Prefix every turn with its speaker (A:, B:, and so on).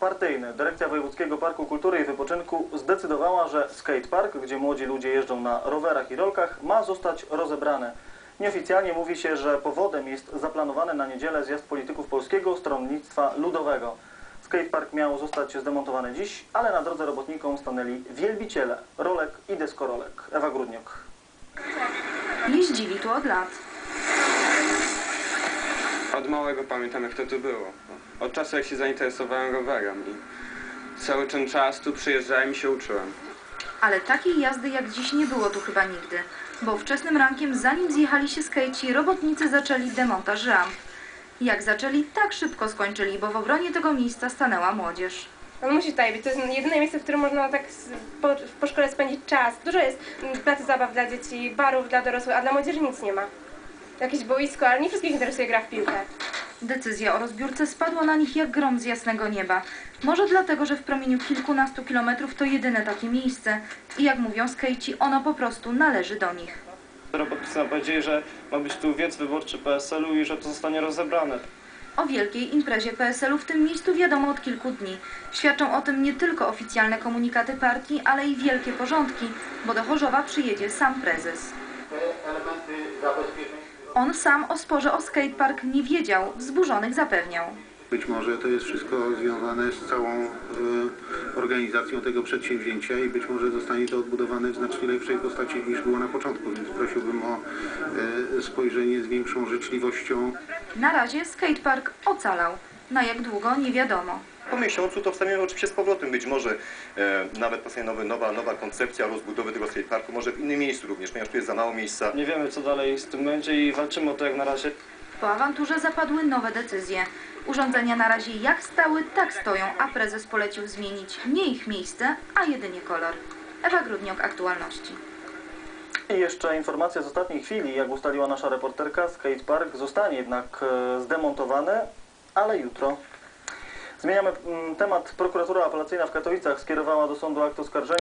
A: partyjny. Dyrekcja Wojewódzkiego Parku Kultury i Wypoczynku zdecydowała, że skatepark, gdzie młodzi ludzie jeżdżą na rowerach i rolkach, ma zostać rozebrany. Nieoficjalnie mówi się, że powodem jest zaplanowany na niedzielę zjazd polityków Polskiego Stronnictwa Ludowego. Skatepark miał zostać zdemontowany dziś, ale na drodze robotnikom stanęli wielbiciele rolek i deskorolek. Ewa Grudniok.
B: Jeździli tu od lat.
C: Od małego pamiętam, jak to tu było. Od czasu, jak się zainteresowałem rowerem i cały ten czas tu przyjeżdżałem i się uczyłem.
B: Ale takiej jazdy jak dziś nie było tu chyba nigdy, bo wczesnym rankiem, zanim zjechali się skejci, robotnicy zaczęli demontaż ramp. Jak zaczęli, tak szybko skończyli, bo w obronie tego miejsca stanęła młodzież.
D: On musi tutaj być. To jest jedyne miejsce, w którym można tak po szkole spędzić czas. Dużo jest placu zabaw dla dzieci, barów dla dorosłych, a dla młodzieży nic nie ma. Jakieś boisko, ale nie wszystkich interesuje gra w piłkę.
B: Decyzja o rozbiórce spadła na nich jak grom z jasnego nieba. Może dlatego, że w promieniu kilkunastu kilometrów to jedyne takie miejsce i jak mówią skejci, ono po prostu należy do nich.
E: Robotnicy nam powiedzieli, że ma być tu wiec wyborczy PSL-u i że to zostanie rozebrane.
B: O wielkiej imprezie PSL-u w tym miejscu wiadomo od kilku dni. Świadczą o tym nie tylko oficjalne komunikaty partii, ale i wielkie porządki, bo do Chorzowa przyjedzie sam prezes. On sam o sporze o skatepark nie wiedział, wzburzonych zapewniał.
F: Być może to jest wszystko związane z całą organizacją tego przedsięwzięcia i być może zostanie to odbudowane w znacznie lepszej postaci niż było na początku, więc prosiłbym o spojrzenie z większą życzliwością.
B: Na razie skatepark ocalał. Na jak długo nie wiadomo.
G: Po miesiącu to wstaniemy oczywiście z powrotem. Być może nawet powstanie nowa koncepcja rozbudowy tego skateparku, może w innym miejscu również, ponieważ tu jest za mało miejsca.
E: Nie wiemy, co dalej z tym będzie i walczymy o to jak na razie.
B: Po awanturze zapadły nowe decyzje. Urządzenia na razie jak stały, tak stoją, a prezes polecił zmienić nie ich miejsce, a jedynie kolor. Ewa Grudniok, Aktualności.
A: I jeszcze informacja z ostatniej chwili, jak ustaliła nasza reporterka, skatepark zostanie jednak zdemontowany, ale jutro. Zmieniamy temat. Prokuratura Apelacyjna w Katowicach skierowała do sądu akt oskarżenia